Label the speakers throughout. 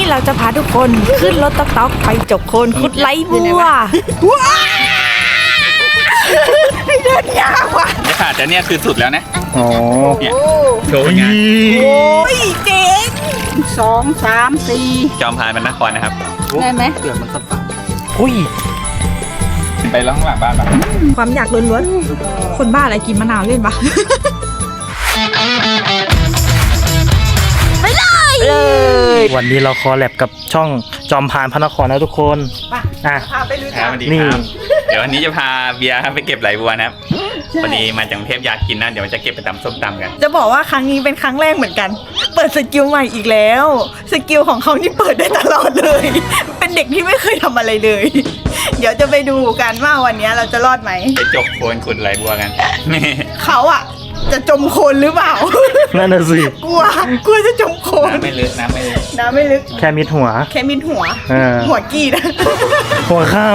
Speaker 1: เราจะพาทุกคนขึ้นรถต๊อกไปจกโคนคุดไล่บัวไม่เดินยากว่ะ
Speaker 2: เนี่ยค่ะแต่เนี่ยคือสุดแล้วนะ
Speaker 3: อ๋อ
Speaker 2: เนี่ยโชว์งาน
Speaker 1: โอ้ยเจ๋ง
Speaker 4: 2 3 4
Speaker 2: จอมพานมันนครนะครับ
Speaker 4: ได้ไหม
Speaker 3: เกือบมันสับอุ้ย
Speaker 2: ไปแล้วข้างหลังบ้านปะ
Speaker 1: ความอยากล้วนๆคนบ้าอะไรกินมะนาวเล่นปะไปเลย
Speaker 3: วันนี้เราคอแลบกับช่องจอมพานพระนครนะทุกคน
Speaker 1: พาไปรู้จัก
Speaker 2: นี่เดี๋ยววันนี้จะพาเบียร์ไปเก็บไหลบัวนะครับพอดีมาจากกรุงเทพอยากกินนะเดี๋ยวจะเก็บไปตำส้มตำกัน
Speaker 1: จะบอกว่าครั้งนี้เป็นครั้งแรกเหมือนกันเปิดสกิลใหม่อีกแล้วสกิลของเขานี่เปิดได้ตลอดเลยเป็นเด็กที่ไม่เคยทำอะไรเลยเดี๋ยวจะไปดูกันว่าวันนี้เราจะรอดไหม
Speaker 2: ไปจกโคนขุดไหลบัวกัน
Speaker 1: เขาอะจะจมโคลนหรือเปล่า
Speaker 3: นั่นน่ะสิ
Speaker 1: กลัวจะจมโคลน
Speaker 2: น้ำไม่ลึกน้ำ
Speaker 1: ไม่ลึก
Speaker 3: แค่มิดหัว
Speaker 1: หัวกี้นะ
Speaker 3: หัวเข้า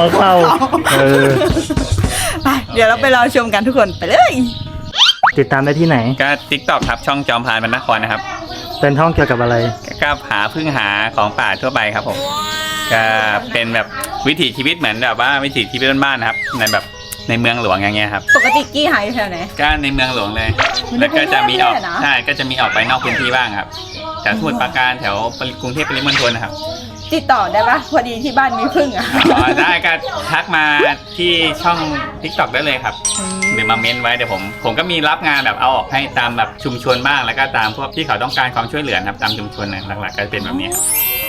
Speaker 1: ไปเดี๋ยวเราไปรอชมกันทุกคนไปเลย
Speaker 3: ติดตามได้ที่ไหน
Speaker 2: ก็ TikTok ครับช่องจอมพานพระนครนะครับ
Speaker 3: เป็นช่องเกี่ยวกับอะไร
Speaker 2: ก็พึ่งหาของป่าทั่วไปครับผมก็เป็นแบบวิถีชีวิตเหมือนแบบว่าวิถีชีวิตบ้านๆนะครับในแบบในเมืองหลวงอย่างเงี้ยครับ
Speaker 1: ปกติกี้หายอยู่แถวไหน
Speaker 2: ก็ในเมืองหลวงเลยแล้วก็จะมีออกใช่ก็จะมีออกไปนอกพื้นที่บ้างครับแถวสมุทรปราการแถวกรุงเทพปริมณฑลนะครับ
Speaker 1: ติดต่อได้ปะพอดีที่บ้านมีพึ่งอ่ะ
Speaker 2: ได้ก็ทักมาที่ช่อง TikTok ได้เลยครับหรือมาเม้นไว้เดี๋ยวผมก็มีรับงานแบบเอาออกให้ตามแบบชุมชนบ้างแล้วก็ตามพวกที่เขาต้องการความช่วยเหลือครับตามชุมชนหลักๆก็เป็นแบบนี้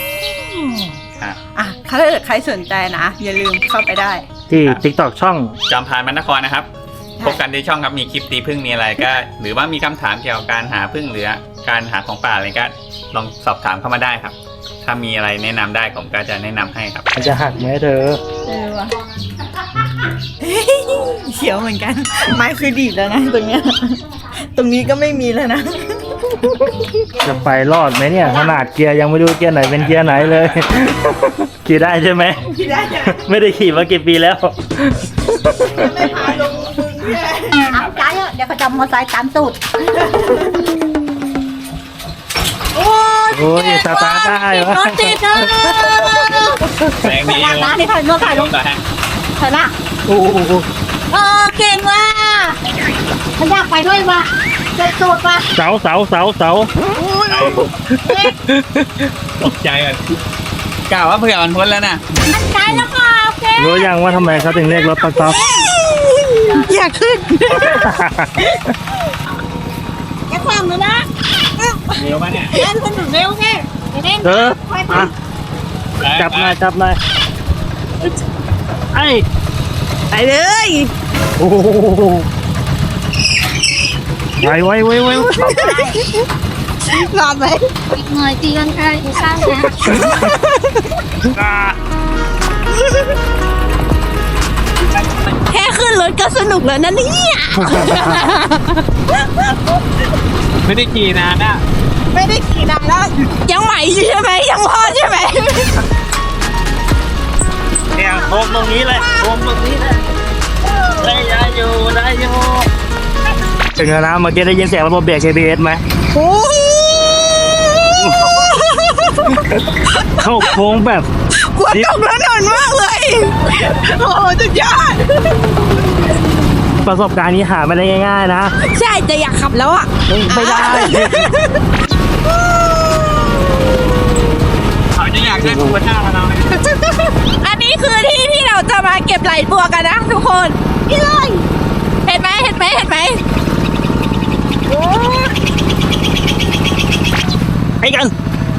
Speaker 1: ถ้าเกิดใครสนใจนะอย่าลืมเข้าไปได้
Speaker 3: ที่ TikTok ช่อง
Speaker 2: จอมพานพระนครนะครับพบกันในช่องครับมีคลิปตีพึ่งมีอะไรก็หรือว่ามีคำถามเกี่ยวกับการหาพึ่งหรือการหาของป่าอะไรก็ลองสอบถามเข้ามาได้ครับถ้ามีอะไรแนะนำได้ผมก็จะแนะนำให้ครับ
Speaker 3: มันจะหักไหมเธอ
Speaker 1: วะเขียวเหมือนกันไม้คือดีดแล้วนะตรงเนี้ยตรงนี้ก็ไม่มีแล้วนะ
Speaker 3: จะไปรอดไหมเนี่ยขนาดเกียร์ยังไม่รู้เกียร์ไหนเป็นเกียร์ไหนเลยขี่ได้ใช่ไหม
Speaker 1: ขี่ได้
Speaker 3: ไม่ได้ขี่มากี่ปีแล้ว
Speaker 1: ไม่พาลงมึง
Speaker 4: เอาใจเดี๋ยวเขาจะมอไซค์ตามตูด
Speaker 3: โอ้ยตาได้เหรอ
Speaker 4: ติด
Speaker 2: แสงดี
Speaker 4: นะนี่ถ่ายรูปถ่ายรูปเธอละ
Speaker 3: โอ้
Speaker 4: เก่งว่ะเขาอยากไปด้วยว่ะเจ็บตูดว่ะ
Speaker 3: เสา
Speaker 2: ตกใจอ่ะกล่าวว่าเผื่อมันพ้นแล้วนะ
Speaker 4: มันใจแล้วค่ะโอเค
Speaker 3: รู้ยังว่าทำไมเขาถึงเรียกรถต๊อก
Speaker 1: อยากขึ้น
Speaker 4: แกคว่ำเลยนะ
Speaker 2: เร็วป่ะเนี่ย
Speaker 4: เล่นสนุกเร็วแค่
Speaker 3: จับหน่อย
Speaker 1: ไปเลย
Speaker 3: โอ้ไว
Speaker 1: รอดไหม
Speaker 4: อีกหน่อยตีกันค่ะอีกข้างนะ
Speaker 1: แค่ขึ้นรถก็สนุกแล้วนะเนี่ย
Speaker 2: ไม่ได้ขี่นานนะ
Speaker 1: ไม่ได้ขี่นานแล้วยังใหม่ใช่ไหมยังพอใช่ไหม
Speaker 3: เนี่ยโค้งตรงนี้เลยได้อยู่ถึงแล้วนะเมื่อกี้ได้ยินเสียงระบบเบรก ABS ไหมเข้าโค้งแบบ
Speaker 1: กลัวตกแล้วนอนมากเลยโอ้สุดยอด
Speaker 3: ประสบการณ์นี้หาไม่ได้ง่ายๆนะ
Speaker 1: ใช่จะอยากขับแล้วอ่ะ
Speaker 3: ไม่ได้
Speaker 2: เขาจะอยากได้ตัวหน้าเรา
Speaker 1: อันนี้คือที่เราจะมาเก็บไหลบัวกันนะทุกคนนี่เลยเห็นไหม
Speaker 3: ให้กัน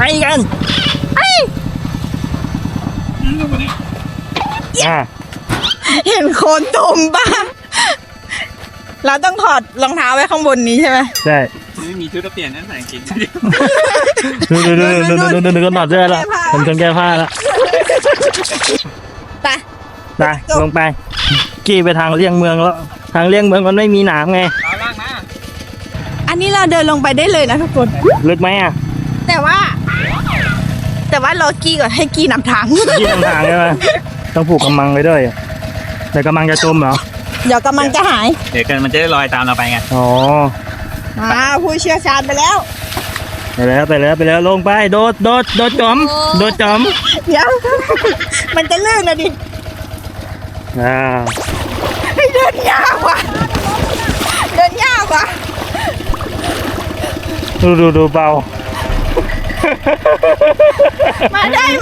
Speaker 1: เห็นโคนตุ่มป่ะเราต้องถอดรองเท้าไว้ข้างบนนี้ใช่ไหม
Speaker 3: ใช่
Speaker 2: ไม่มีชุดเปลี่ยนนั่นใส่กิน
Speaker 3: ดูก็ถอดเสื้อแล้วผมจนแก้ผ้าแล้วไปลงไปกี่ไปทางเลี่ยงเมืองแล้วทางเลี่ยงเมืองมันไม่มีหนามไง
Speaker 1: อันนี้เราเดินลงไปได้เลยนะทุกคน
Speaker 3: ลึกไหมอ่ะ
Speaker 1: แต่ว่ารอกี้ก่อนให้กี้นำทาง
Speaker 3: ใช่ไหมต้องผูกกำมังไว้ด้วยเดี๋ยวกำมังจะจมเหรอ
Speaker 1: เดี๋ยวกำมังจะหาย
Speaker 2: เดี๋ยวมันจะได้ลอยตามเราไปไง
Speaker 3: อ๋อ
Speaker 1: ผู้เชี่ยวชาญไปแล้ว
Speaker 3: ไปแล้วลงไปโดดจอม
Speaker 1: เดี๋ยว มันจะลื่นนะดิ เฮ้ยเดินยากว่ะ
Speaker 3: ดูเบา
Speaker 1: มาได้ไหม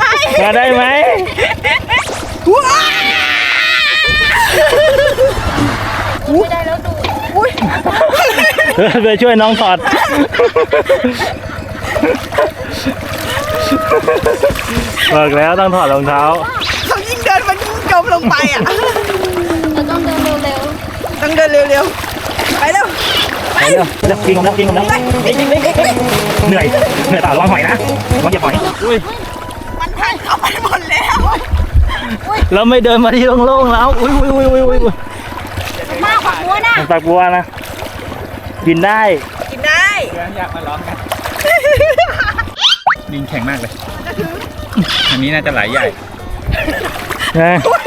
Speaker 3: ว้า
Speaker 4: ไม่ได้แล้วดู
Speaker 1: อุ้ย
Speaker 3: ไปช่วยน้องถอดบอกแล้วต้องถอดรองเท้า
Speaker 1: เขายิ่งเดินมันยิ่งจมลงไปอ่ะ
Speaker 4: เราต้องเดินเร็ว
Speaker 1: ต้องเดินเร็วๆ ไปเร็ว
Speaker 3: ไปเร็วกินกันแล้วเหนื่อยเปล่าระวังหอยนะระวังอย่าหอยอุ้ย
Speaker 1: มันพันเข้าไปหมดแล้ว
Speaker 3: เราไม่เดินมาที่โล่งๆแล้วอุ้ย
Speaker 4: ๆมากกว่าหัวนะ
Speaker 3: มันปากบัวนะกินได้
Speaker 1: กินได้
Speaker 2: อยากมาลองกันดินแข็งมากเลย อันนี้น่าจะไหลใหญ่
Speaker 3: นะ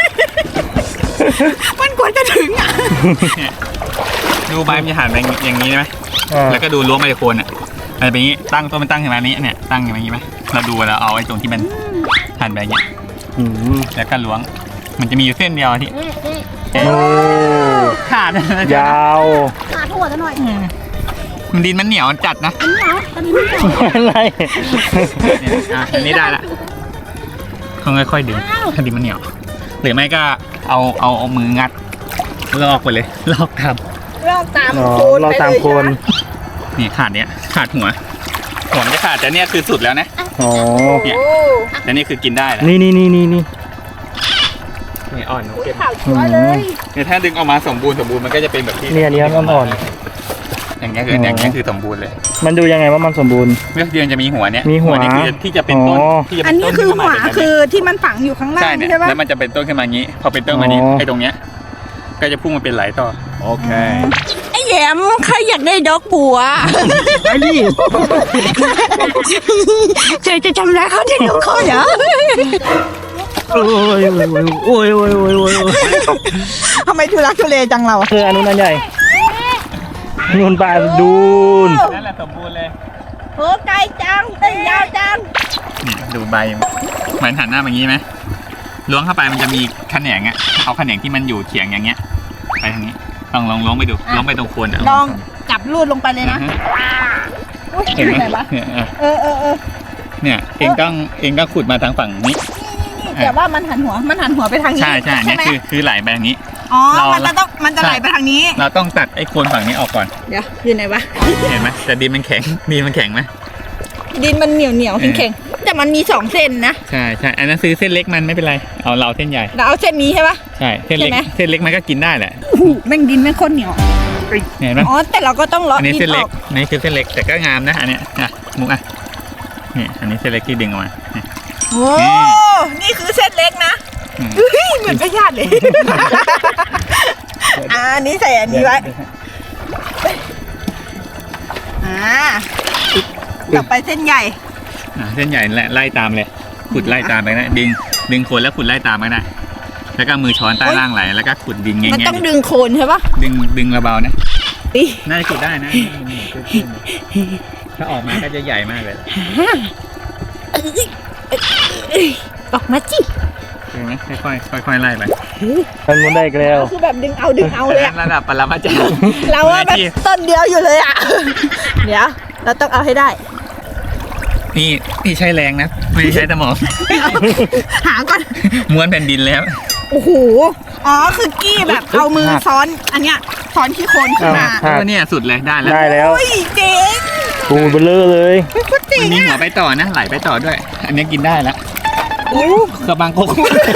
Speaker 1: มันกว่าจะถึงอ่ะ
Speaker 2: ดูใบมันจะหันไปอย่างนี้ไหมแล้วก็ดูล้วงไปโคนอ่ะมันจะเป็นอย่างนี้ตั้งต้นมันตั้งอย่างนี้เนี่ยตั้งอย่างนี้ไหมเราดูแล้วเอาไอ้ตรงที่มันหันไปอย่างนี้แล้วก็ล้วงมันจะมีอยู่เส้นเดียวที่
Speaker 3: โอ้
Speaker 2: ขาด
Speaker 3: ยาว
Speaker 4: ขาถั่วซะหน่อย
Speaker 2: มันดินมันเหนียวจัดนะ
Speaker 4: อันนี้เหรออันนี้ไม่ใช่
Speaker 3: อะไร
Speaker 2: เนี่ยอันนี้ได้ละต้องค่อยๆดึงถ้าดินมันเหนียวหรือไม่ก็เอามืองัดลอกไปเลยลอกท
Speaker 1: ลอกตาม
Speaker 3: อ๋อ
Speaker 1: โคน
Speaker 3: เรา
Speaker 1: ไป
Speaker 3: ตาม
Speaker 1: เลย
Speaker 3: โคน
Speaker 2: ำนี่ขาดเนี่ยขาดหัวมันจะขาดแต่เนี่ยคือสุดแล้วนะ
Speaker 3: อ๋อ
Speaker 2: เนี่ย
Speaker 1: โอ้
Speaker 2: แต่นี่คือกินได้แล้ว
Speaker 3: นี่
Speaker 2: นี่อ่อนเก็บ
Speaker 1: ข่าวชัวร์เลย
Speaker 2: เนี่ยถ้าดึงออกมาสมบูรณ์มันก็จะเป็นแบบที่
Speaker 3: เนี่ยอันนี้มันอ่อน
Speaker 2: อย่างเงี้ยคืออย่างเงี้ยคือสมบูรณ์เลย
Speaker 3: มันดูยังไงว่ามันสมบูรณ์
Speaker 2: เมื่อเดือนจะมีหัวเนี่ย
Speaker 3: มีหัว
Speaker 2: นี่คือที่จะเป็นต้น
Speaker 3: อ๋อ
Speaker 2: ที่จะ
Speaker 1: อั
Speaker 2: เป็น น
Speaker 1: นี้
Speaker 2: ต้น
Speaker 1: คือ
Speaker 2: ขึ้น
Speaker 1: หั
Speaker 2: มาว เป็นแบบ
Speaker 1: คื
Speaker 2: นี้
Speaker 1: อที่มันฝังอยู่ข้างล่า
Speaker 2: ใช่
Speaker 1: ง
Speaker 2: เนี่ย
Speaker 1: ใช่ปะ
Speaker 2: แล้วมันจะเป็นต้นขึ้นมาอย่างนี้ พอเป็นต้นมานี้
Speaker 3: อ๋อ
Speaker 2: ไอ้ตรงเนี้ยก็จะพุ่งมาเป็นไหลต่อ
Speaker 3: โอเค
Speaker 1: ไอ้แยมใครอยากได้ดอกบัว
Speaker 3: ไปดิ
Speaker 1: เจ๊จะทำร้ายเขาที่ลูกเขาเหรอ
Speaker 3: โอ้ย
Speaker 1: ทำไมทุลักทุเลจังเรา
Speaker 3: คืออันนู้นอันใหญ่นู่นปลาดูน
Speaker 2: นั่นแหละสมบูรณ์เลย
Speaker 1: โหไกลจังเอ้ยยาวจัง
Speaker 2: นี่ดูใบเหมือนหันหน้าแบบนี้ไหมล้วงเข้าไปมันจะมีแขนงอ่ะเอาแขนงที่มันอยู่เฉียงอย่างเงี้ยไปทางนี้ลองล้วงไปดูล้วงไปตรงโคนอ่ะ
Speaker 1: ลองจับลูดลงไปเลยนะ อุ๊ย
Speaker 2: เห็นไหม
Speaker 1: ไหนวะ
Speaker 2: เนี่ย
Speaker 1: เออ
Speaker 2: เนี่ยเองต้องขุดมาทางฝั่งนี้
Speaker 1: นี่แต่ว่ามันหันหัวไปทางนี้
Speaker 2: ใช่เนี่ย
Speaker 1: ไหม
Speaker 2: คือไหลไปทางนี้
Speaker 1: อ๋อ
Speaker 2: เรามั
Speaker 1: มันจะไหลไปทางนี้
Speaker 2: เราต้องตัดไอ้โคนฝั่งนี้ออกก่อน
Speaker 1: เดี๋ยวอยู่ไหนวะ
Speaker 2: เห็นไหมแต่ดินมันแข็งไหม
Speaker 1: ดินมันเหนียวแข็งๆแต่มันมี2เส้นนะ
Speaker 2: ใช่อันนั้นซื้อเส้นเล็กมันไม่เป็นไรเอาเราเส้นใหญ่
Speaker 1: เราเอาเส้นนี้ใช่ปะ
Speaker 2: ใช่เส้นเล็ก
Speaker 1: ใช่ไหม
Speaker 2: เส้นเล็กมันก็กินได้แหละ
Speaker 1: โอ้โหแม่งดินแม่งโคตรเหนียว
Speaker 2: เห็นไหม
Speaker 1: อ๋อแต่เราก็ต้องเลาะ
Speaker 2: อันนี้
Speaker 1: ดิ
Speaker 2: เส้น
Speaker 1: นอ
Speaker 2: เล็
Speaker 1: อก ก
Speaker 2: นี่คือเส้นเล็กแต่ก็งามนะอันเนี้ยมุกนี่อันนี้เส้นเล็กที่ดึงออกมานี่
Speaker 1: โอ้นี่คือเส้นเล็กนะ
Speaker 2: อืม
Speaker 1: เฮ้ยเหมือนพยาธิเลยอันนี้ใส่อันนี้ไว้ต่อไปเส้นใหญ่
Speaker 2: เส้นใหญ่ไล่ตามเลยขุดไล่ตามไปนะดึงโคนแล้วขุดไล่ตามไปนะแล้วก็มือช้อนใต้ล่างไหลแล้วก็ขุดดินแง่
Speaker 1: มันต้อง
Speaker 2: ๆ
Speaker 1: ดึงโคนใช่ปะ
Speaker 2: ดึงเบาๆนะ
Speaker 1: ดิ
Speaker 2: น่าจะขุดได้นะถ้าออกมาก็จะใหญ่มากเลย
Speaker 1: ออกมาจิ
Speaker 2: เห็นไหมค่อยๆไล่ไป
Speaker 3: มันมุนได้อีกแล้ว
Speaker 1: คือแบบดึงเอาเลยอะ
Speaker 2: ระดับปรมาจารย์
Speaker 1: เราว่าแบบต้นเดียวอยู่เลยอะเดี๋ยวเราต้องเอาให้ได้
Speaker 2: นี่ใช้แรงนะไม่ได้ใช้สมอง
Speaker 1: หาก่อน
Speaker 2: ม้วนแผ่นดินแล้ว
Speaker 1: โอ้โหอ๋อคือกี้แบบเอามือซ้อนอันเนี้ยซ้อนที่โคนขึ้นมา
Speaker 2: ก็เนี่ยสุดเลยได้แล้ว
Speaker 3: ได้แล้ว
Speaker 1: โอ้ยเจ๋ง
Speaker 3: ปูเบลอเลย
Speaker 1: โคตรเจ๋
Speaker 2: มั
Speaker 1: ง
Speaker 2: นมีหัว
Speaker 1: อะ
Speaker 2: ไปต่อนะไหลไปต่อด้วย อันนี้กินได้แล้ว
Speaker 1: โอ้
Speaker 2: กระบังโคก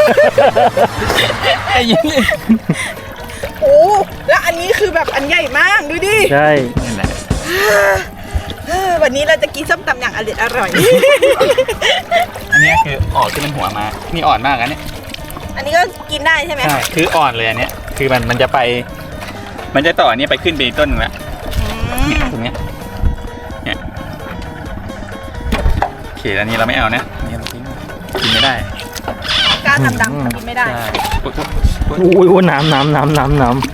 Speaker 2: ไอ้ยี่
Speaker 1: โหแล้วอันนี้คือแบบอันใหญ่มากดูดิ
Speaker 3: ใช่
Speaker 2: นั่นแหละ
Speaker 1: วันนี้เราจะกินส้มตำอย่างอร่อย
Speaker 2: อันนี้คือออกที่มันหัวมานี่อ่อนมากอันนี้
Speaker 1: อันนี้ก็กินได้ใช่ไหม
Speaker 2: ใช่คืออ่อนเลยอันเนี้ยคือมันจะไป มันจะต่ออันนี้ไปขึ้นไปอีกต้นหนึงแล้วเนี่ยตรงเนี้ยเนี่ยโอเคอันนี้เราไม่เอานะอันนี้เราทิ้งกินไม่ได้
Speaker 1: กล้าทำดำกินไม่ได้
Speaker 2: ใช่ปุ๊บ
Speaker 3: อุ้ยน้ำ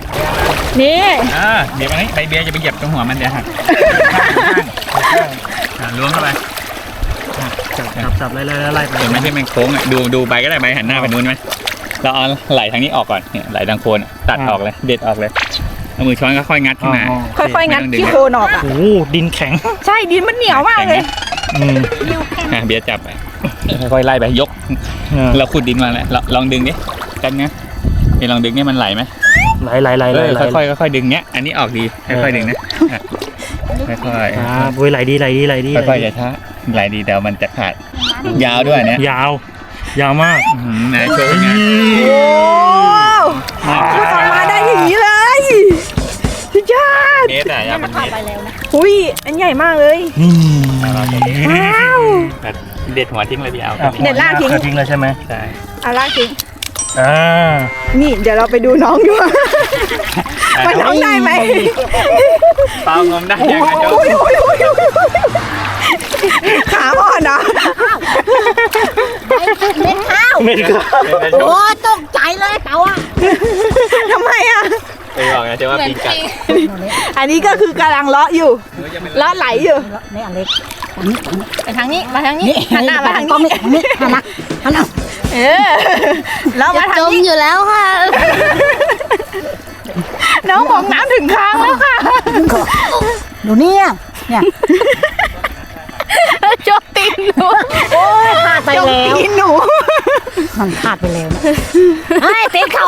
Speaker 1: นี่
Speaker 2: เดี๋ยวมันใบเบียร์จะไปเหยียบตรงหัวมันเดี๋ยวหักล้วงเข้าไป
Speaker 3: จับไล่ไป
Speaker 2: เห็นไหมที่มันโค้งอ่ะดูใบก็ได้ใบหันหน้าไปนู้นไหมเราเอาไหลทางนี้ออกก่อนเนี่ยไหลทางโคนตัดออกเลยเด็ดออกเลยเอามือช้อนก็ค่อยงัดขึ้นมา
Speaker 1: ค่อยๆงัดขี้โคนออกอ่ะ
Speaker 3: โอ้ดินแข็ง
Speaker 1: ใช่ดินมันเหนียวมากเลย
Speaker 2: เบียร์จับไปค่อยๆไล่ไปยกเราขุดดินมาแล้วลองดึงดิกันนะนี่ลองดึงนี่มันไหลไหม
Speaker 3: ไหล
Speaker 2: ค่อยๆดึงเนี้ยอันนี้ออกดีค่อยๆดึงนะค่อยๆ
Speaker 3: โอ้ยไหลดี
Speaker 2: ค่อยๆอย่าช้าไหลดีเดี๋ยวมันจะขาดยาวด้วยเนี่ย
Speaker 3: ยาวมาก
Speaker 2: นะโชว์งาน
Speaker 1: โอ้พูดออกมาได้อย่างนี้เลยสุดยอด
Speaker 2: เมตรอะยาวเป็นเมตร
Speaker 1: อุ้ยอันใหญ่มากเลยว้าว
Speaker 2: เด็ดหัวทิ้งเลยพี่เอา
Speaker 1: เด็ดรากทิ้ง
Speaker 3: ทิ้งเลยใช่ไหม
Speaker 2: ใช่
Speaker 1: เอาลากทิ้ง
Speaker 3: นี่
Speaker 1: เดี๋ยวเราไปดูน้องดูว่าน้องได้ไหม
Speaker 2: เปล่างมได้ยังไงโจ้
Speaker 1: ขาอ่อนนะ
Speaker 4: เม็ดข้าว
Speaker 3: ไม่ก็
Speaker 4: โอ้ตกใจเลยเขาอ่ะ
Speaker 1: ทำไมอ่ะ
Speaker 2: ไปบอกนะเจ้าว่าปีกัด
Speaker 1: อันนี้ก็คือกำลังเลาะอยู่เลาะไหลอยู่
Speaker 4: นี่อเล็ก
Speaker 1: ไปทางนี้มาทางนี้หันหน้ามาทาง
Speaker 4: กล้อง
Speaker 1: นี้
Speaker 4: นี่หันหน้า
Speaker 1: แล้วมาทาง
Speaker 4: จม
Speaker 1: นี้
Speaker 4: อยู่แล้วค่ะ
Speaker 1: น้องบอกน้ำถึงค้างแล้วค่ะ
Speaker 4: ดูเนี่ย
Speaker 1: โจมตีนหนู
Speaker 4: โอ้ยขาดไป
Speaker 1: โจม
Speaker 4: แล้ว
Speaker 1: ตีนหนู
Speaker 4: มันขาดไปแล้วนะไอ้ตีนเขา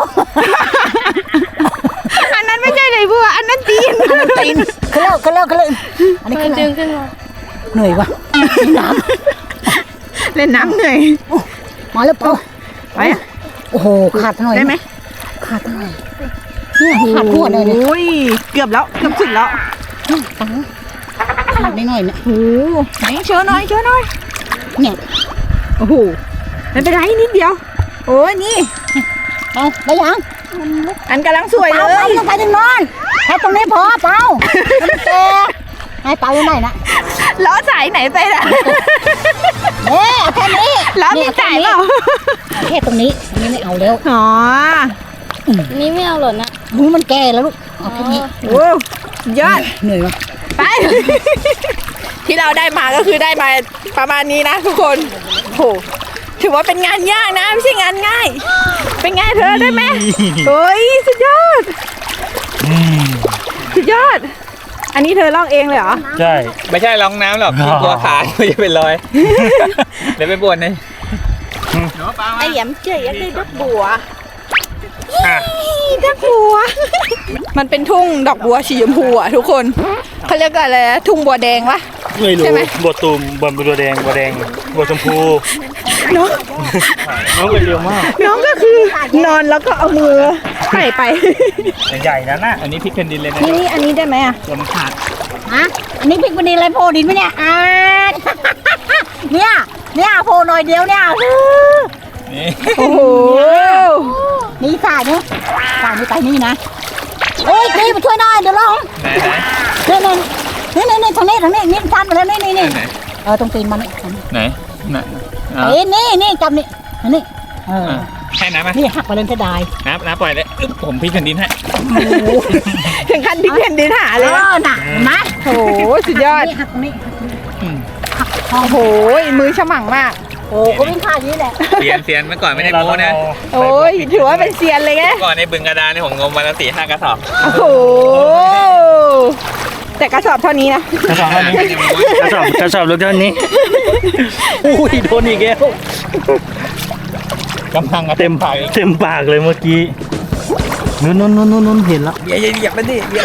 Speaker 1: อันนั้นไม่ใช่เลยบัวอันนั้นตีน
Speaker 4: ตีนขึ้นแล้วอันนี้ขึ้นมาเหนื่อยวะน้
Speaker 1: เล่นน้ำเหนื่อย
Speaker 4: ำมาแล้วพอ
Speaker 1: ไปอ่ะ
Speaker 4: โอ้โหขาดหน่อย
Speaker 1: ได้ไหม
Speaker 4: ขาดหน่อยเนี่ยขาดทั่วเลยเนี่ย
Speaker 1: โอ้ยเกือบแล้วเกือบสุดแล้ว
Speaker 4: ขาดนิดหน่อยเนี่ย
Speaker 1: โอ้โหไหนเชิญหน่อย
Speaker 4: เนี่ย
Speaker 1: โอ้โหไม่เป็นไรนิดเดียว โอ้ยนี่
Speaker 4: เอาได้ยัง
Speaker 1: อันกำลังสวยเล
Speaker 4: เปาย ต้องไปถึงนอนแค่ตรงนี้พอเปล่าแต่ให้เปาอยู่ไหนนะ
Speaker 1: ล้อสายไหนไปล่ะ
Speaker 4: แค่นี้
Speaker 1: ล้อมีสายเปล่า
Speaker 4: แค่ตรงนี้อันนี้ไม่เอาแล้ว
Speaker 1: อ๋อ
Speaker 5: นี่ไม่เอาหรอนะ
Speaker 4: หูมันแก่แล้วลูกเอาแค่นี้
Speaker 1: โอ้ยอด
Speaker 4: เหนื่อยวะ
Speaker 1: ไป ที่เราได้มาก็คือได้มาประมาณนี้นะทุกคนโหถือว่าเป็นงานยากนะไม่ใช่งานง่าย เป็นไงเธอได้ไหมโอ้ยสุดยอดสุดยอด อันนี้เธอลอกเองเลยเหรอ
Speaker 3: ใช่
Speaker 2: ไม่ใช่รองน้ำหรอกกลัวขาไม่จะเป็นรอยเดี๋ยวไปบวนเลย
Speaker 1: ไอ้แหยมเจ๋ยได้ดอกบัวดอกบัว มันเป็นทุ่งดอกบัวสีชมพูอ่ะทุกคนเขาเรียกอะไรนะทุ่งบัวแดงวะ
Speaker 3: ไม่รู้
Speaker 1: ใช่ไหม
Speaker 3: บัวตูมบัวแดงบัวชมพู
Speaker 1: น้อง
Speaker 3: น้องไปเร็วมาก
Speaker 1: น้องก็คือนอนแล้วก็เอามือไต่ไป
Speaker 3: ใหญ่นะน่ะ
Speaker 2: อันนี้พริกแผ่นดินเลยนะ
Speaker 1: นี่อันนี้ได้ไหมอ่ะ
Speaker 2: ตัวมันขาด
Speaker 4: ฮะอันนี้พริกมันดีอะไรโพดินไหมเนี่ยเนี่ยโพหน่อยเดียวเนี่ย
Speaker 2: นี่
Speaker 1: โอ้โห
Speaker 4: นี่สายนี่ไปนี่นะโอ้ยตีมาช่วยหน่อยเดี๋ยวร้อง
Speaker 2: ไหน
Speaker 4: นี่ทางนี้นี่ชันไปแล้วนี่ตรงตีนมัน
Speaker 2: ไหน
Speaker 4: นี่จับนี่นี่
Speaker 2: แค่น้ำไหม
Speaker 4: นี่หักไปเลยจะได้
Speaker 2: น้ำปล่อยเลยผมพริกแผ่นดินให้
Speaker 1: ถึงขั้นพลิกแผ่นดินหาเลย
Speaker 4: หนักนะ
Speaker 1: โอ้โหสุดยอด
Speaker 4: นี่หักตรงนี้
Speaker 1: โอ้โหมือฉมังมาก
Speaker 4: โอ้ก็วิ่งผ่านนี้แหละ
Speaker 2: เซียนเมื่อก่อนไม่ได้โม้นะ
Speaker 1: โอ้ยถือว่าเป็นเซียนเลยไง
Speaker 2: เมื่อก่อนในบึงกระดานนี่ผมงมวันละ4-5กระสอบ
Speaker 1: โอ้โหแต่กระสอบเท่านี้นะ
Speaker 3: กระสอบเท่านี้กระสอบลูกเท่านี้อุ้ยโดนอีกแล้ว
Speaker 2: กำลัง
Speaker 3: เต็มปากเลยเมื่อกี้นู้นเห็นแล้ว
Speaker 2: เหยียบมันดิเหยียบ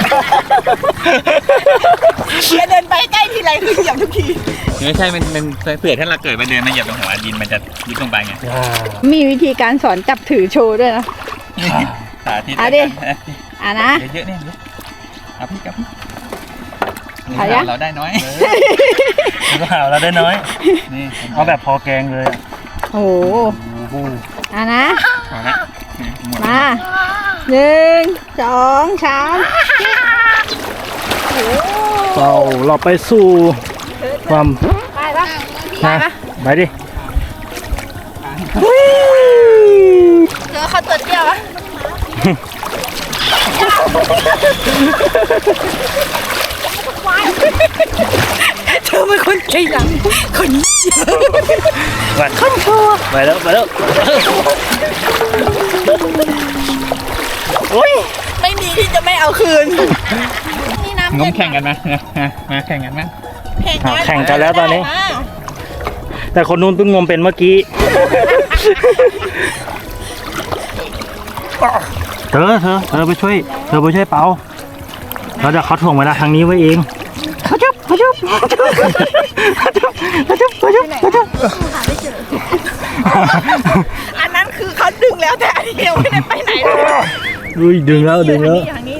Speaker 1: อย่าเดินไปใกล้ทีไรคือเหยียบทุกที
Speaker 2: ไม่ใช่มันเผื่อถ้าเราเกิดมาเดินมาเหยียบตรงหัวดินมันจะยุบลงไปไง
Speaker 1: มีวิธีการสอนจับถือโชว์ด้วยนะ
Speaker 2: สาธิต
Speaker 1: อ่ะดิ อ่ะนะ
Speaker 2: เยอะๆเนี่ยเอาพี่กับ
Speaker 1: เอายัง
Speaker 2: เราได้น้อย
Speaker 3: เราได้น้อย
Speaker 2: นี่
Speaker 3: เอาแบบพอแกงเลย
Speaker 1: โอ้โหอ่ะนะ
Speaker 2: เอาละหมด
Speaker 1: มา1 2 3
Speaker 3: เราไปสู่ความ
Speaker 1: ไปปะ
Speaker 3: นะไปดิ
Speaker 1: เจอเขาตัวเดียวอะเธอเป็นคนใจหลังคนนี้
Speaker 3: ไป
Speaker 1: คนชัว
Speaker 3: ไปแล้วโอ้ย
Speaker 1: ไม่มีที่จะไม่เอาคืนนี่น้ำ
Speaker 2: งมแข่งกันมาแข่งกันไหม
Speaker 3: แข่งกันแล้วตอนนี้ แต่คนนู้นเพิ่งงมเป็นเมื่อกี้เธอไปช่วยเปาแล้วเดี๋ยวเขาถ่วงเวลาทางนี้ไว้เองเขาจุ๊บ
Speaker 1: อันนั้นคือเขาดึงแล้วแต่อันนี้ยังไม่ได้ไปไหนเลย
Speaker 3: อุ้ยดึงแล้ว
Speaker 1: ทางนี้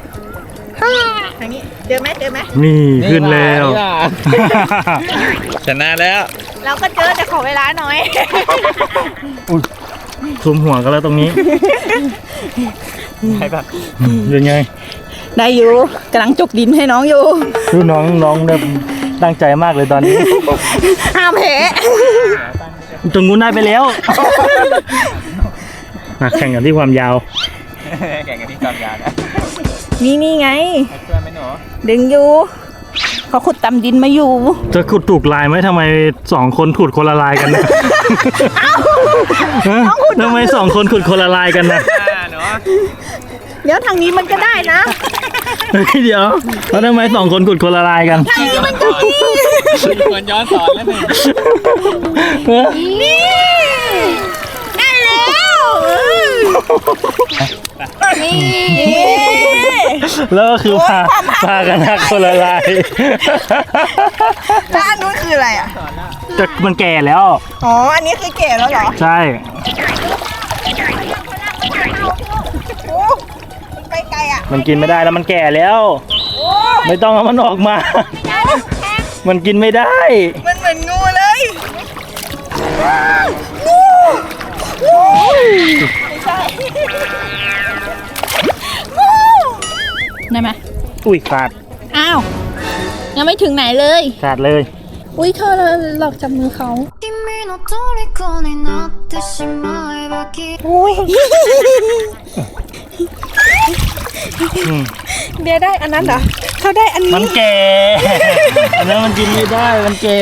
Speaker 1: เจอไหม
Speaker 3: นี่ขึ้นแล้ว
Speaker 2: ชนะแล้ว
Speaker 1: เราก็เจอแต่ขอเวลาหน่อย
Speaker 3: ซุมหัวกันแล้วตรงนี้
Speaker 2: ใช่ปะ
Speaker 3: ยังไง
Speaker 1: ได้อยู่กำลังจกดินให้น้องอยู่
Speaker 3: ดูน้องเนี่ยตั้งใจมากเลยตอนนี้
Speaker 1: ห้ามแพ้
Speaker 3: ตรงนู้นได้ไปแล้วมาแข่งกันที่ความยาว
Speaker 2: แข่งกันที่จอมยานะ
Speaker 1: นี่ไง
Speaker 2: ช่วยไหมหนู
Speaker 1: ดึงอยู่เขาขุดตำดินมาอยู่
Speaker 3: จะขุดถูกลายไหมทำไม2 คนขุดคนละลายกันนะฮะทำไม2 คนขุดคนละลายกันนะ
Speaker 2: หนู
Speaker 1: เดี๋ยวทางนี้มันก็ได้นะ
Speaker 3: เฮ้ยเดี๋ยวแล้วทำไม2 คนขุดคนละลายกัน
Speaker 1: ทางนี้มันก็มี
Speaker 2: ควรย้อนสอนแล้วเนี่ย
Speaker 3: ฮะ
Speaker 1: นี่ได้แล้วนี่
Speaker 3: แล้วก็คือพากันหักคนละลาย
Speaker 1: แล้วอันนู้นคืออะไรอ่ะ
Speaker 3: จะมันแก่แล้ว
Speaker 1: อ๋อ อันนี้คือเก๋แล้วเหรอ
Speaker 3: ใช่
Speaker 1: โอ้มันไปไกลอ่ะ
Speaker 3: มันกินไม่ได้แล้วมันแก่แล้ว
Speaker 1: โอ้ย
Speaker 3: ไม่ต้องเอามันออกมา มันกินไม่ได้
Speaker 1: มันเหมือนงูเลยงูไม่ใช่งูได้ไหม
Speaker 3: อุ้ยขาด
Speaker 1: อ้าว ยังไม่ถึงไหนเลย
Speaker 3: ขาดเลย
Speaker 1: อุ้ยเธอหลอกจับมือเขา
Speaker 6: 君の虜になってしまえばきっと
Speaker 1: อุ้ย
Speaker 3: อืม
Speaker 1: เบียร์ได้อันนั้นเหรอเขาได้อัน
Speaker 3: มัน
Speaker 1: นี้
Speaker 3: แก่อันนั้นมันกินไม่ได้ มันแก่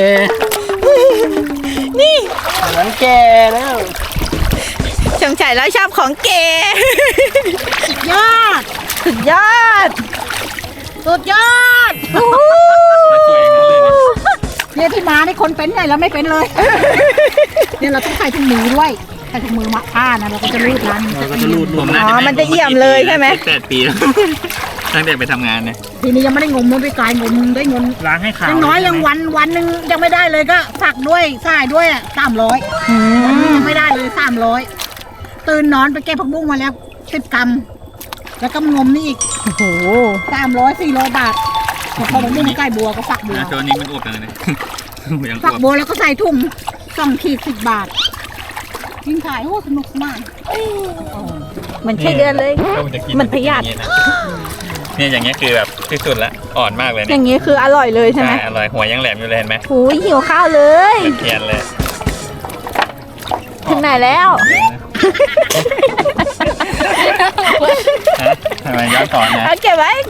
Speaker 1: นี่
Speaker 3: อันนั้นแก่แล้ว
Speaker 1: สงสัยแล้วชอบของเก๋
Speaker 4: ยอด
Speaker 1: สุดยอด
Speaker 4: สุดยอด
Speaker 1: โอ้โห
Speaker 4: เนี่ยที่มานี่คนเป็นไงแล้วไม่เป็นเลย เนี่ยเราต้องใส่ถุงมือด้วยใส่ถุงมือมาผ้านะเราก็จะรูดร้าน
Speaker 3: เราก็จะรูด
Speaker 2: ผม
Speaker 1: อ๋อ มันจะเอี่ยมเลยใช่ไหม
Speaker 2: 8 ปีแล้วตั้งแต่ไปทำงานเนี่ย
Speaker 4: ทีนี้ยังไม่ได้งมมันไปไกลงมได้เงิน
Speaker 3: ล้างให้ขาว
Speaker 4: ยังน้อยยังวันหนึ่งยังไม่ได้เลยก็ฝักด้วยสายด้วย300ยังไม่ได้เลย300ตื่นนอนไปเก็บผักบุ้งมาแล้ว10 กรัมแล้วก็งมนี่อีก
Speaker 1: โอ้โห
Speaker 4: 300-400 บาทพอผักบุ้งใกล้บัวก็ฝักบัว
Speaker 2: ตัวนี้มันอวบจังเลยนะยังอ
Speaker 4: ฝัก
Speaker 2: วบ
Speaker 4: บัวแล้วก็ใส่ถุง2 ขีด 10 บาทยิงขายโอ้สนุกสนาน
Speaker 1: เหมือนไส้เดือนเลย
Speaker 2: ก็มันจะกิน
Speaker 1: มันพยาธิ
Speaker 2: เนี่ยอย่างเงี้ยคือแบบที่สุดละอ่อนมากเลย
Speaker 1: อ
Speaker 2: เนี่ย
Speaker 1: ย่างนี้คืออร่อยเลยใช่ไหม
Speaker 2: อร่อยหัวยังแหลมอยู่เลยเห็นไหม
Speaker 1: หูยหิวข้าวเลย
Speaker 2: เทียนเลย
Speaker 1: ถึงไหนแล้ว
Speaker 2: ฮะทำไมย้อนสอนนะ
Speaker 1: เอาเก็บไว้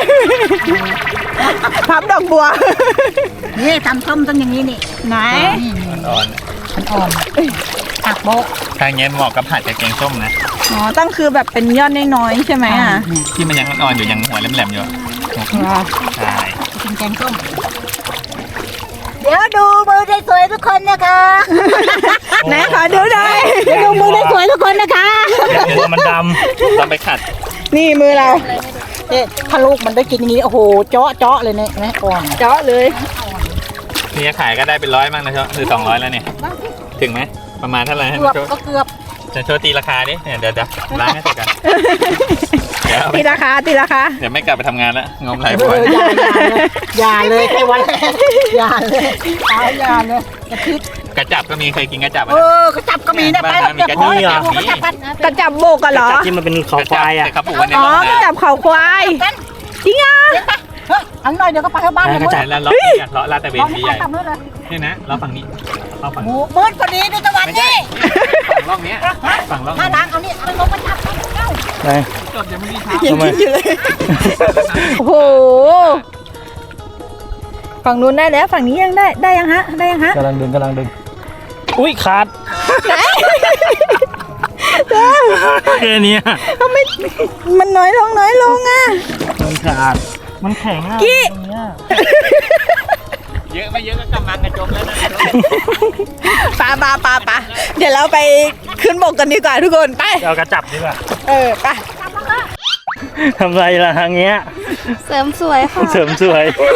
Speaker 1: พับดอกบัว
Speaker 4: นี่ทำส้มต้องอย่างนี้นี่
Speaker 1: ไหน
Speaker 2: อ่อน
Speaker 4: มันอ่อนผักโบะ
Speaker 2: ทางเงี้ยเหมาะกับผัดกับแกงส้มนะ
Speaker 1: อ๋อต้องคือแบบเป็นยอดน้อยๆใช่ไหมอ่ะ
Speaker 2: ที่มันยังอ่อนๆอยู่ยังหัวแหลมๆอยู่ใช่
Speaker 4: กินแกงส้มเดี๋ยวดูมือได้สวยทุกคนนะคะ
Speaker 1: ไหนขอดูหน่อย
Speaker 4: เดี๋ยวดูมือได้สวยทุกคนนะคะ
Speaker 3: เดี๋ยวมันด
Speaker 2: ต้องไปขัด
Speaker 1: นี่มือเรา
Speaker 4: เนี่ยถ้าลูกมันได้กินอย่างนี้โอ้โหเจาะเลยเนี่ยนะอ่อน
Speaker 1: เจาะเลย
Speaker 2: นี่จะขายก็ได้เป็น100มั้งนะเชหรือ200แล้วเนี่ยถึงไหมประมาณเท่าไหร่ให้
Speaker 4: เกือบ
Speaker 2: โชว์
Speaker 4: ก็เกือบ
Speaker 2: จะโชว์ตีราคาดิเนี่ยเดี๋ยวล้างให้เสร็จกันเดี๋ยวเอาไป
Speaker 1: ตีราคา
Speaker 2: เดี๋ยวไม่กลับไปทำงานแล้วงมไหลบ่อย
Speaker 4: อย่าเลยแค่วันแรกอย่าเลยอย่าเลยกระพริบ
Speaker 2: กระจับก็มีเคยกินกระจับ
Speaker 4: เออกระจับก็มีนะไปแล้ว
Speaker 2: มีกระจับ
Speaker 4: เดี๋ยวกระจับกัน
Speaker 1: กระจับโบกกันเหรอ
Speaker 3: ำที่มันเป็นเขาควายอ่ะ
Speaker 2: แต่เขาปลูกไว้ใน
Speaker 1: อ๋อ
Speaker 2: ร่อง
Speaker 1: กระ
Speaker 2: น้
Speaker 1: จับเขาควาย จริงอ่ะ
Speaker 4: เฮ้ยเอาหน่อยเดี๋ยวก็ไปเข้าบ้านเลย
Speaker 3: กระจับ
Speaker 2: ำแล้วเลาะเนี่ยเลาะลาดตระเวน
Speaker 4: ลอง
Speaker 2: สี
Speaker 4: ให้
Speaker 2: ใหญ่
Speaker 4: ทำด้วยเลย
Speaker 2: เนี่ยนะเราฝั่งนี้เราฝั่ง
Speaker 4: โอ้มืดพอดีในตะวัน
Speaker 2: ไม่ใช่
Speaker 4: นี่
Speaker 2: ฝั่งร่องเนี้ยฝั่งร่อง
Speaker 4: ถ้าล้างเอานี่เอาลงมาจับเข้า
Speaker 3: ไหน
Speaker 2: จบยังไม่มีเท้า
Speaker 1: ยังคิดอยู่เลย โอ้โหฝั่งนู้นได้แล้วฝั่งนี้ยังได้ยังฮะได้ยังฮะ
Speaker 3: กำลังดึงอุ้ยขาดแค่เนี้ย
Speaker 1: ทำไมมันน้อยลงอ่ะ
Speaker 3: มันขาดมันแข็งอ่ะ
Speaker 1: กี้
Speaker 3: ตรงเนี้ย
Speaker 2: เยอะไม่เยอะก็กำลังกระจมแล้วนะ
Speaker 1: ปาเดี๋ยวเราไปขึ้นบกกันดีกว่าทุกคนไป
Speaker 3: เอากระจับดีกว่า
Speaker 1: ไป
Speaker 3: ทำไรล่ะทางเงี้ย
Speaker 5: เสริมสวยค่ะ
Speaker 3: เสริมสวย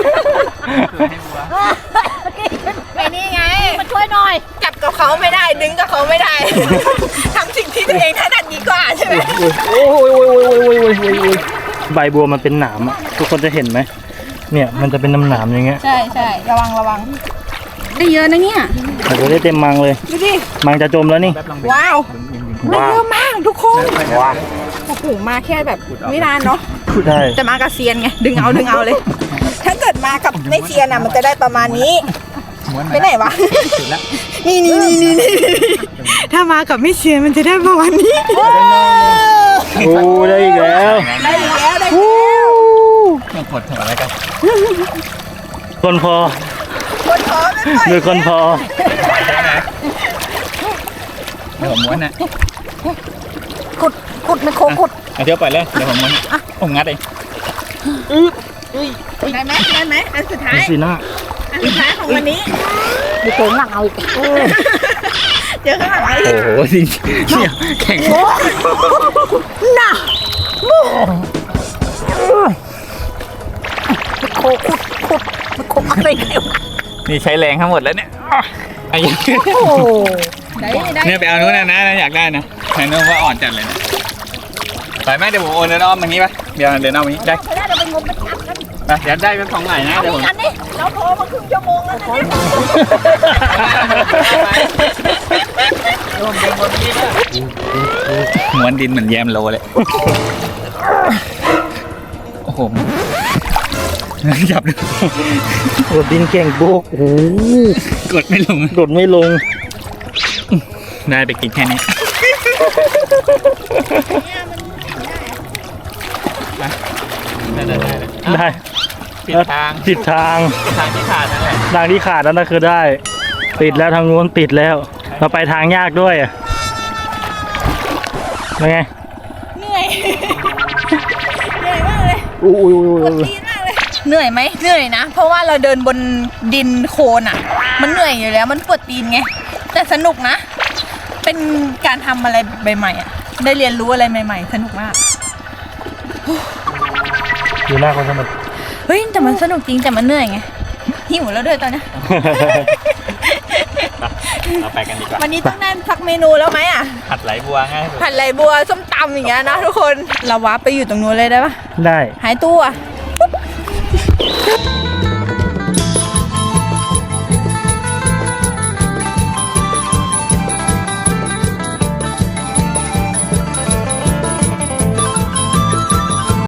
Speaker 1: ไปนี่ไงมาช่วยหน่อยจับกับเขาไม่ได้ดึงกับเขาไม่ได้ ทำสิ่งที่ตัวเองถนัดดีกว่าใช่ไหม
Speaker 3: โอ้ยใบบัวมันเป็นหนามอ่ะทุกคนจะเห็นไหมเนี่ยมันจะเป็นหนามอย่างเงี้ย
Speaker 1: ใช่ระวังได้เยอะนะเนี่ย
Speaker 3: แต่จะได้เต็มมังเลย
Speaker 1: ดูดิ
Speaker 3: มังจะจมแล้วนี่
Speaker 1: ว้าวมัน
Speaker 3: ว้าว
Speaker 1: เยอะมากทุกคน
Speaker 3: ว้าว
Speaker 1: โอ้โหมาแค่แบบไม่นานเนาะ
Speaker 3: ใช่
Speaker 1: แต่มากับเซียนไงดึงเอาเลย ถ้าเกิดมากับไม่เซียนอ่ะมันจะได้ประมาณนี้ไปไหนวะนี่ถ้ามากับไม่เซียนมันจะได้ประมาณนี้
Speaker 3: โอ้ได้อีกแล้ว
Speaker 1: ได้แล้ว
Speaker 2: ต้องกดหัวแล้วกัน
Speaker 3: คนพอ
Speaker 1: คนท้อไม่ปล่อย
Speaker 3: หรือคนพอ
Speaker 2: เดี๋ยวผมม้วนนะ
Speaker 1: ขุดไม่โคขุด
Speaker 2: เอาเที่ยวไปเลยเดี๋ยวผมม้วนผมงัดเอง
Speaker 1: ได้ไหมอันสุดท้าย
Speaker 3: สีหน้า
Speaker 1: อันสุดท้ายของวันนี้
Speaker 4: เดี๋ยวโผล่หลังเอาอีก
Speaker 1: เจอข้างหลังอะไร
Speaker 2: โอ้โหจริงเนี่ยแข็ง
Speaker 1: น่ะโคขุดอะไรกันวะ
Speaker 2: นี่ใช้แรงทั้งหมดแล้วเนี่ยไอ้ยัง
Speaker 1: โอ้ได้
Speaker 2: เนี่ยไปเอานู้นนะอยากได้นะไอ้นู้นว่าอ่อนจัดเลยนะไปไหมเดี๋ยวผมโอนเดินอ้อมอย่างนี้ปะเดี๋ยวเดินอ้อมอย่างนี้ได้
Speaker 1: เขาได้เราไปงมไปจับกัน
Speaker 2: ไปเดี๋ยวได้เป็นของใหม่นะเดี๋ยวผม
Speaker 1: อันนี้เราโทรมาครึ่งชั่วโมงแล้วนะเนี่ย
Speaker 2: ม้วนดินเหมือนแยมโลเลยโอ้โหจับดู
Speaker 3: โดดดินเก่งบุกโอ้โห
Speaker 2: กดไม่ลง
Speaker 3: โดดไม่ลง
Speaker 2: ได้ไปกินแค่นี้ได้
Speaker 3: ได้
Speaker 2: ปิดทาง
Speaker 3: ติดทาง
Speaker 2: ทางที่ขาดนั่นแหละ
Speaker 3: ทางที่ขาดนั่นคือได้ ติดแล้วทางนู้นติดแล้ว เราไปทางยากด้วยอ่ะเป็นไง
Speaker 1: เหนื่อยมากเลย
Speaker 3: อุ้ย
Speaker 1: ปวดตีนมากเลยเหนื่อยไหมเหนื่อยนะ เพราะว่าเราเดินบนดินโคลนอ่ะ มันเหนื่อยอยู่แล้วมันปวดตีนไงแต่สนุกนะ เป็นการทำอะไรใหม่ๆอ่ะได้เรียนรู้อะไรใหม่ๆสนุกมาก
Speaker 3: อยู่หน้าคนสนุก
Speaker 1: เฮ้ยแต่มันสนุกจริงแต่มันเหนื่อยไงหิวแล้วด้วยตอนเนี้ย
Speaker 2: เราไปกันดีกว่า
Speaker 1: วันนี้ต้องได้สักเมนูแล้วไหมอ่ะ
Speaker 2: ผัดไหลบัวง่ายสุด
Speaker 1: ผัดไหลบัวส้มตำอย่างเงี้ยนะทุกคนเราว้าไปอยู่ตรงนู้นเลยได้ปะ
Speaker 3: ได้
Speaker 1: หายตัว